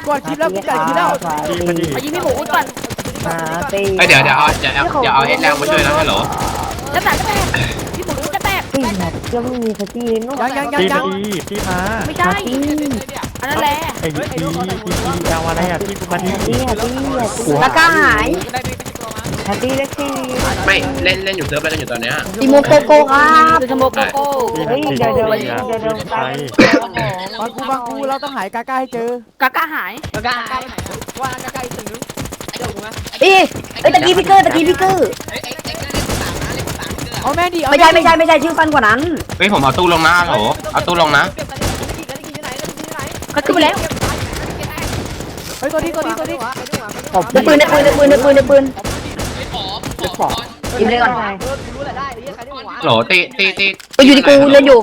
ก่อนคลิปแล้วกูจ่ายคลิปแล้วมายิงพี่หมูก่อนเดี๋ยวเอาเอสแรงมาช่วยนะฮัลโหลจะแตกพี่หมูจะแตกยังไม่มีสตีนนู่นยังพี่มาไม่ใช่อันนั้นแหละไอ้พี่เอาอะไรอ่ะพี่มาที่ตะก้าหายตีเล็กตีไม่เล่นอยู่เซิร์ฟเล่นอยู่ตอนเนี้ยอีโมโกโก้ครับคือสโมโกโก้เฮ้ยเดี๋ยวไปบางกูเราต้องหายกาก้าให้เจอกาก้าหายกาก้าว่ากาก้าอีกตึงอีตะกี้พิกเกอร์เอาแม่ดิไม่ใช่ชื่อฟันกว่านั้นเฮ้ยผมเอาตู้ลงนะฮัลโหลเอาตู้ลงนะเขาขึ้นไปแล้วเฮ้ยตัวนี้ในปืนยิงเลยก่อนโหลตีไปอยู่ที่กูเล่นอยู่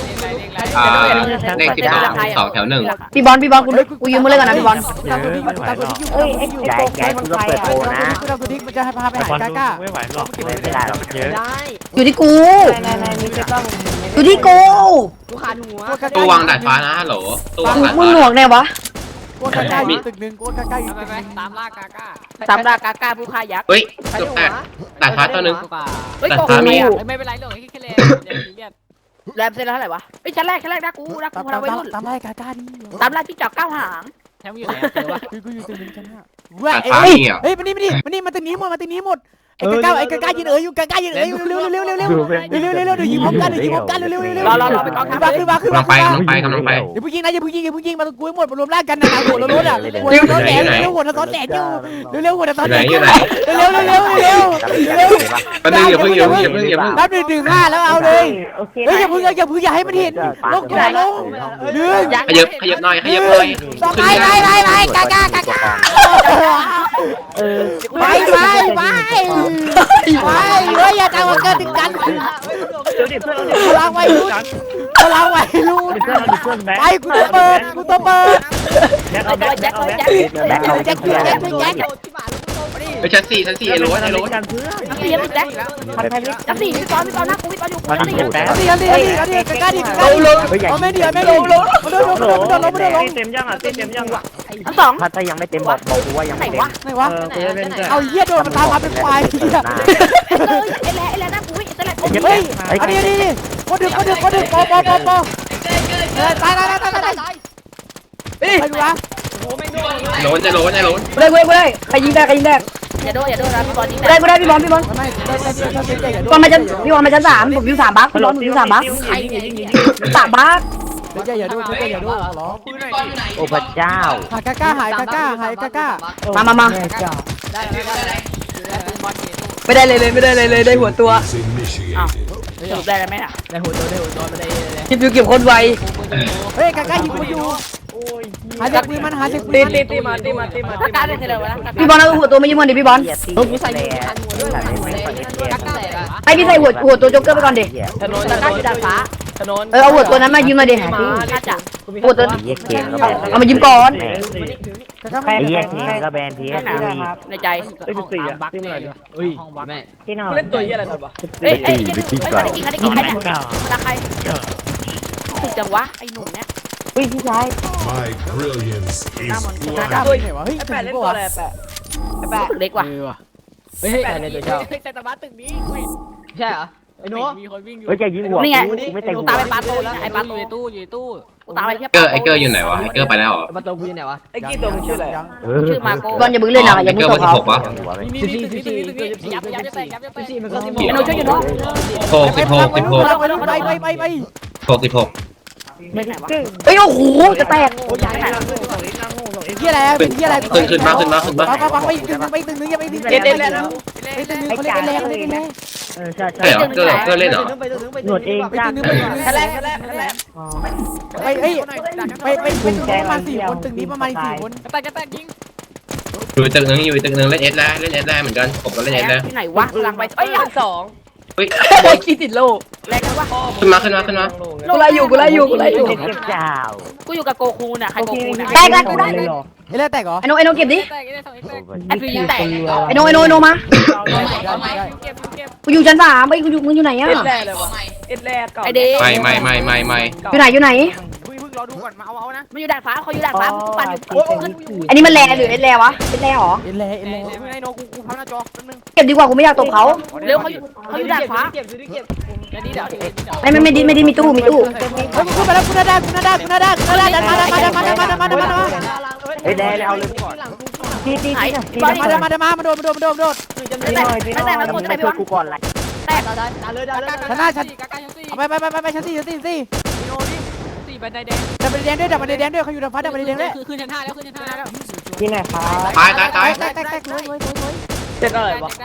เลข12 แถว 1 พี่บอลกูยืมมือเลยก่อนนะพี่บอลเฮ้ยแกมึงเปิดโปนะตัวนี้มันจะให้พาไปหากาก้าไม่ไหวหรอกไม่ได้หรอกเยอะอยู่ที่กูอยู่ที่กูตู้วางดาดฟ้านะฮัลโหลตู้วางดาดฟ้ามึงหนวกแน่วะกูกาก้าอยู่ตึกนึงกูกาก้าอยู่ตึกนึงตามล่ากาก้าผู้ฆ่ายักษ์เฮ้ยจบแตกดาดฟ้าตัวนึงดาดฟ้ามีไม่เป็นไรหรอกแค่แรงแรมเซ็นแล้วเท่าไหร่วะไอ้ชั้นแรกนะกูเราไปรุ่นตามไล่กาก้าดิตามไล่ที่จับ9 หางแถมอยู่ไหนเจอวะกูอยู่ตึกนึงชั้น5เฮ้ยมานี่มาตึกนี้หมดไอ้กาก้ายืนอยู่กาก้ายืนอยู่เร็วเดี๋ยวยิงพร้อมกันเร็วรอไปกองทัพขึ้นมากำลังไปอย่าเพิ่งยิงนะอย่าเพิ่งยิงมาตะกุ้ยหมดมารวมร่างกันนะหัวรถอ่ะหัวรถแหลมหัวซ้อนแหลมอยู่เร็วหัวซ้อนแหลมเร็วแป๊บนึงอย่าเพิ่งนับ1 ถึง 5แล้วเอาเลยเฮ้ยอย่าเพิ่งอย่าให้มันเห็นลงอย่าลงขยับหน่อยไปกาก้าไปเฮ้ยอย่าจังหวะเกิดถึงกันพลังไว้รุ่นไปกูตัวเปิดแจ็คไปชั้น 4ไอ้โรสแจ็คพี่ตอนหน้ากูพี่ตอนอยู่กูกาเอาไม่ดีลงเต็มยังทั้ง2 ถ้ายังไม่เต็มบอกกูว่ายังไม่เต็มไหนวะเอาเหี้ยโดนมันตามมาเป็นควายไอ้แหละหน้ากูเฮ้ยอันนี้ก็ดึกปอตายไปดูวะโรสจะโรสเลยใครยิงได้อย่าโดนนะพี่บอลยิงได้พี่บอลพี่บอลมาจะพี่บอลมาชั้น3ผมอยู่3 บัคพี่บอลผมอยู่3 บัค3 บัคอย่าโดนร้องโอ้พระเจ้าหายกาก้ามาไม่ได้เลยได้หัวตัวอ้าวจบได้ไหมอ่ะได้หัวตัวไม่ได้เลยเก็บคนไวเฮ้ยกาก้ายิงกูอยู่หาจากปืนมันตีมากาก้าเล่นเลยวะพี่บอลเอาหัวตัวมายิงมันดิพี่บอลไอพี่ใส่หัวตัวโจ๊กเกอร์ไปก่อนดิถนนกาก้าอยู่ด้านฟ้าเอาหัวตัวนั้นมายิงมาดิหัวตัวเอามายิงก่อนไอ้แยกเกมก็แบนพีในใจบักที่ไหนห้องบักแม่ที่นอนเล่นตัวยี่อะไรวะเฮ้ยกินใครเนี่ยราคาถูกจังวะไอ้หนุ่มเนี่ยพี่ชายด้วยเหรอวะเฮ้ยแปะเล่นตัวอะไรแปะเล็กว่ะเฮ้ยแปะเล่นตัวเจ้าแต่ตะบัดตึกนี้ใช่เหรอไอ้หนูมีคนวิ่งอยู่เฮ้ยจะยิงหัวนี่ไงกูตามไปปาตู้ไอ้ปาตู้อยู่ตู้กูตามไปเทียบไอ้เกอร์อยู่ไหนวะไอ้เกอร์ไปแล้วเหรอปาตู้อยู่ไหนวะไอ้กี้ตัวมันชื่ออะไรชื่อมาโก้บอลอย่าบึ้งเล่นนะอย่าบึ้งตกเขายับมันก็สิบหกช่วยอยู่เนาะ 16 เฮ้ยโอ้โหจะแตกที่อะไรเป็นที่อะไรขึ้นมาฟังไปตึงนึงยังไม่เล่นแล้วไอ้ตึงนึงเขาเล่นแรงใช่เกอร์เล่นเหรอหนวดเองจ้าแรกไปประมาณ4 คนตึงนี้ประมาณ4 คนแตกยิงอยู่ตึกนึงเล่นเอสได้เหมือนกันผมก็เล่นเอสได้ที่ไหนวะหลังไป2 เฮ้ยขี้ติดโลแรงนะวะขึ้นมากูไล่อยู่กูอยู่กับโกคูน่ะใครโกคูน่ะแตกแล้วกูได้ไอ้เล่แตกเหรอไอ้โนเก็บดิไอ้พี่แตกไอ้โนมากูอยู่ชั้น3ไปมึงอยู่ไหนอ่ะไอเด็กอยู่ไหนรอดูก่อนมาเอานะมันอยู่ด่านฟ้าเขาอยู่ด่านฟ้ากูปั่นอยู่อันนี้มันแลหรือเอ็นแลวะเอ็นแลหรอเอ็นแลไอ้โนกูพังหน้าจอแป๊บนึงเก็บดีกว่ากูไม่อยากตบเขาเร็วเขาอยู่ด่านฟ้าเก็บเดี๋ยวไม่ดีมีตู้กูขึ้นมาแล้วกูน่าได้มาเฮ้ยแดงเอาเลยตีมาโดนแต่แล้วตัวจะไหนพี่วะกูก่อนไรแตกชั้นหน้าชั้นไปชั้น4โนดิ4บันไดแดงดับบันไดแดงด้วยเขาอยู่ด่านฟ้าดับบันไดแดงด้วยขึ้นชั้น5แล้วที่ไหนครับตายแตกเลยเจ็บอะไรวะ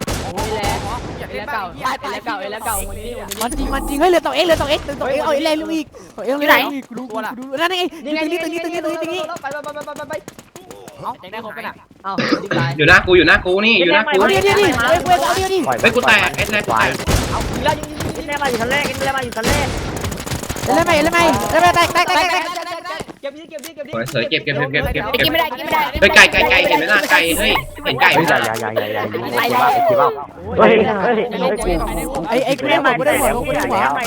มันจริงเฮ้ยเหลือตัวเอ็กเอาเอ็กเลยอีกตัวเอ็กเลยอีกดูนั่นไงตึงนี้เอาได้ครบไปน่ะเอาอยู่หน้ากูนี่อยู่หน้ากูเอาดิเฮ้ยกูแตกเอสแรกกูแตกแม่มาอยู่ชั้นแรกแม่มาอยู่ชั้นแรกแล้วไม่แตกสวยเก็บกินไม่ได้เฮ้ยไก่เห็นไหมล่ะไก่เฮ้ยเห็นไก่ไหมล่ะเฮ้ยไอ้กูได้หมดกูได้หัวได้ไหมแตก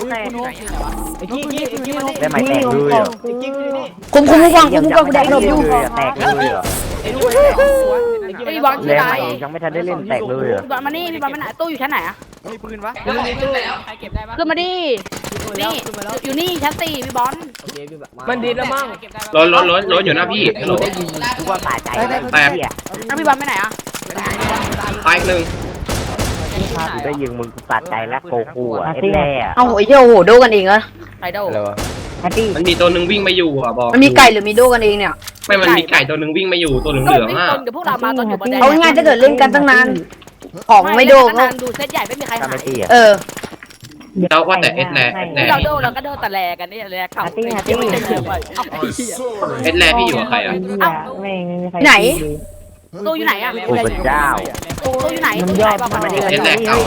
เลยคุมกูแดกหลบอยู่แตกเลยอ่ะไอ้บอลชื่ออะไรยังไม่ทันได้เล่นแตกเลยอ่ะพี่บอลมานี่พี่บอลมันไหนตู้อยู่ชั้นไหนอะมีปืนวะใครเก็บได้ปะขึ้นมาดินี่อยู่นี่ชั้น4พี่บอลมันดีแล้วมั้งรถอยู่หน้าพี่กูว่าตายใจแตกแล้วพี่บอลไปไหนอะตายหนึ่งกูได้ยิงมึงกูตัดใจแล้วโกกูอ่ะเอ็นแร่เอาไอ้เจ้าโหโดกันเองเหรอไอโดมันมีตัวหนึ่งวิ่งมาอยู่อ่ะบอกมันมีไก่หรือมีโดกันเองเนี่ยไม่มันมีไก่ตัวหนึ่งวิ่งมาอยู่ตัวเหลืองๆอ่ะเดี๋ยวพวกเรามาตอนอยู่บนแดงเอาง่ายถ้าเกิดเล่นกันตั้งนานของไม่โดก็ดูเซตใหญ่ไม่มีใครทำไมหายตีอ่ะแล้วว่าแต่เอสแรกเราโดเราก็โดแต่แลกันนี่แลเข่าเอสแรกพี่อยู่กับใครอ่ะไหนตู้อยู่ไหนอะโอ้พระเจ้าตู้อยู่ไหนตู้ไหนบอกมาดิเอสแรกเก่า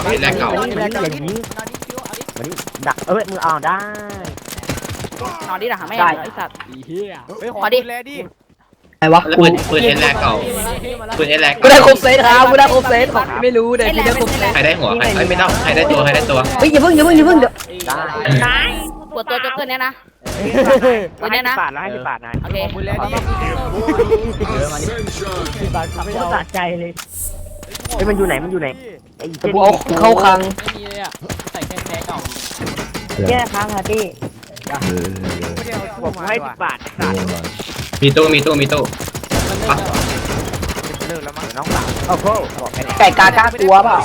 ดักมึงเอาได้นอนดิหรอไม่ได้ไอ้สัตว์ขอดิแลดิไหนวะแล้วปืนเอสแรกเก่าปืนเอสแรกกูได้ครบเซตครับกูได้ครบเซตของไม่รู้เดี๋ยวพี่ได้ครบเซตใครได้หัวใครไม่ต้องใครได้ตัวเฮ้ยอย่าเพิ่งเดี๋ยวได้ปวดตัวจบเกินเนี้ยนะวันนี้นะบาท50 บาทนะโอเคปืนแลดิบาทไม่เอาตัดใจเลยเฮ้ยมันอยู่ไหนไอ้เจ๊เข้าคลังไม่มีเลยอ่ะใส่แค่เก่าแย่ค้างค่ะพี่ผมให้10 บาทมีตู้น้องสาวโอ้โหบอกแค่นี้ไก่กากลัวเปล่า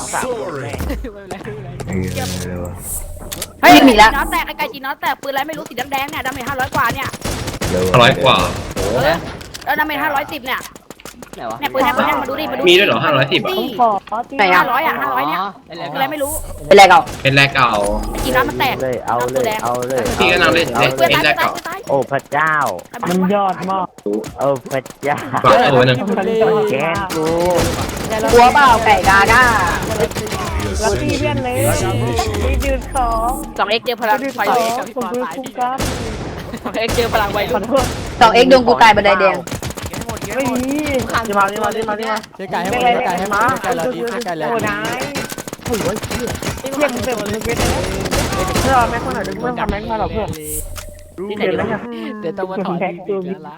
เฮ้ยมีแล้วน้อแตกไก่จีน้อแตกปืนอะไรไม่รู้สีแดงๆเนี่ยดาเมจ500 กว่าเนี่ย 100 กว่าแล้วดาเมจ510เนี่ยเนี่ยปืนแทงมาดูดิมาดูมีด้วยเหรอ510อ่ะไหนอ่ะ500เนี่ยอะไรไม่รู้เป็นไรเก่าเอสแรกเก่าจีน้อมันแตกเลยเอาเลยพี่ก็นำเล่นเอสแรกเก่าโอ้พระเจ้ามันยอดมากโอ้พระเจ้าฝากตัวนึงแกนกูกลัวเปล่าไก่กาก้าลักกี้เพื่อนเลยยืน 2x เจอพลังไฟผมคือคุ้มกัน 2x เจอพลังไว2x โดนกูตายบันไดแดงไม่มีมาเจ๊ไก่ให้มาไก่เราดีไก่แล้วโอ้นายโอ้ยเที่ยงเป็นมันเป็นเพื่อแม็กมาหน่อยเพื่อทำแม็กมาหรอเพื่อนที่ไหนดีเดี๋ยวต้องมาถอดละ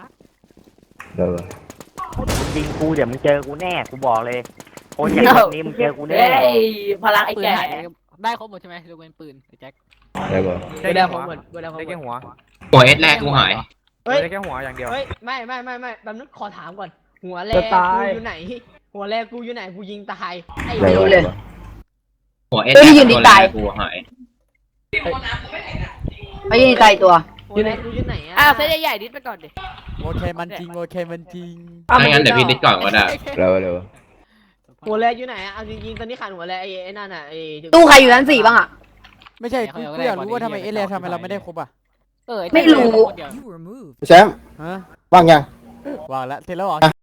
ยิงกูเดี๋ยวมึงเจอกูแน่กูบอกเลยโอ้ยอย่างนี้มึงเจอกูแน่พลังไอ้แก่ได้ครบหมดใช่ไหมยกเว้นปืนแจ็คได้ครบหมดได้แค่หัวหัวเอสแรกกูหายได้แค่หัวอย่างเดียวเฮ้ยไม่แป๊บนึงขอถามก่อนหัวแรกกูอยู่ไหนหัวแรกกูอยู่ไหนกูยิงตายไอ้ไม่รู้เลยหัวเอสแรกกูหายไม่ยิงตายตัวหัวแรกกูอยู่ไหนอ่ะอ้าวเซตใหญ่ๆดิสไปก่อนดิโอเคมันจริงถ้างั้นเดี๋ยวพี่ดิสก่อนก็ได้หัวแรกอยู่ไหนอ่ะเอาจริงๆตอนนี้ขาดหัวแรกไอ้นั่นอ่ะไอ้ตู้ใครอยู่ชั้น4บ้างอ่ะไม่ใช่กูอยากรู้ว่าทำไมเอเลทำไมเราไม่ได้ครบอ่ะไม่รู้แชมป์ว่างยังวางแล้วเสร็จแล้วเหรอ